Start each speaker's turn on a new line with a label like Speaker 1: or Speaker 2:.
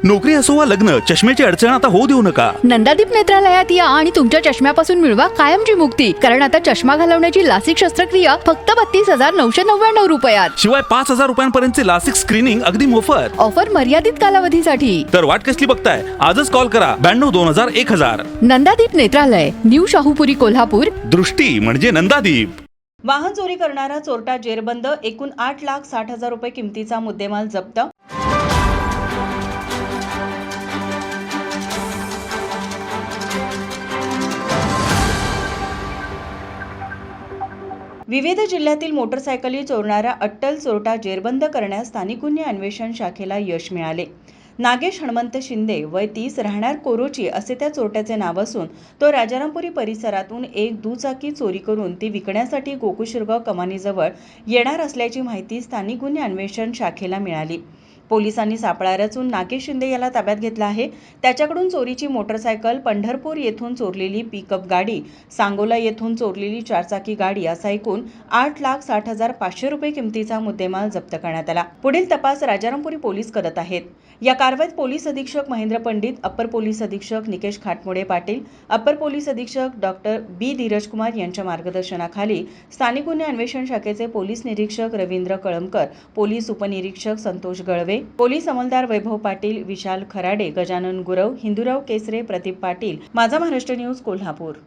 Speaker 1: नोकरी असो वा लग्न, चष्म्याची अडचण आता होऊ देऊ नका.
Speaker 2: नंदादीप नेत्रालयात या आणि तुमच्या चष्म्यापासून मिळवा कायमची मुक्ती. कारण आता चष्मा घालवण्याची लासिक शस्त्रक्रिया फक्त 32,999 रुपयात.
Speaker 1: शिवाय 5,000 रुपयांपर्यंतचे लासिक स्क्रीनिंग अगदी मोफत.
Speaker 2: ऑफर मर्यादित कालावधीसाठी.
Speaker 1: तर वाट कसली बघताय, आजच कॉल करा 92-2000-1000.
Speaker 2: नंदादीप नेत्रालय, न्यू शाहूपुरी, कोल्हापूर.
Speaker 1: दृष्टी म्हणजे नंदादीप.
Speaker 3: वाहन चोरी करणारा चोरटा जेरबंद. एकूण 8,60,000 रुपये किमतीचा मुद्देमाल जप्त. विविध जिल्ह्यातील मोटरसायकली चोरणारा अट्टल चोरटा जेरबंद करण्यास स्थानिक गुन्हे अन्वेषण शाखेला यश मिळाले. नागेश हनुमंत शिंदे, वय 30, राहणार कोरोची असे त्या चोरट्याचे नाव असून तो राजारामपुरी परिसरातून एक दुचाकी चोरी करून ती विकण्यासाठी गोकुळशिरगाव कमानीजवळ येणार असल्याची माहिती स्थानिक गुन्हे अन्वेषण शाखेला मिळाली. पोलिसांनी सापळा रचून नागेश शिंदे याला ताब्यात घेतला आहे. त्याच्याकडून चोरीची मोटरसायकल, पंढरपूर येथून चोरलेली पिकअप गाडी, सांगोला येथून चोरलेली चारचाकी गाडी असा एकूण 8,60,500 रुपये किमतीचा मुद्देमाल जप्त करण्यात आला. पुढील तपास राजारामपुरी पोलीस करत आहेत. या कारवाईत पोलीस अधीक्षक महेंद्र पंडित, अप्पर पोलीस अधीक्षक निकेश खाटमोडे पाटील, अप्पर पोलीस अधीक्षक डॉक्टर बी धीरज कुमार यांच्या मार्गदर्शनाखाली स्थानिक गुन्हे अन्वेषण शाखेचे पोलीस निरीक्षक रवींद्र कळमकर, पोलीस उपनिरीक्षक संतोष गळवे, पोलीस अंमलदार वैभव पाटील, विशाल खराडे, गजानन गुरव, हिंदूराव केसरे, प्रदीप पाटील. माझा महाराष्ट्र न्यूज, कोल्हापूर.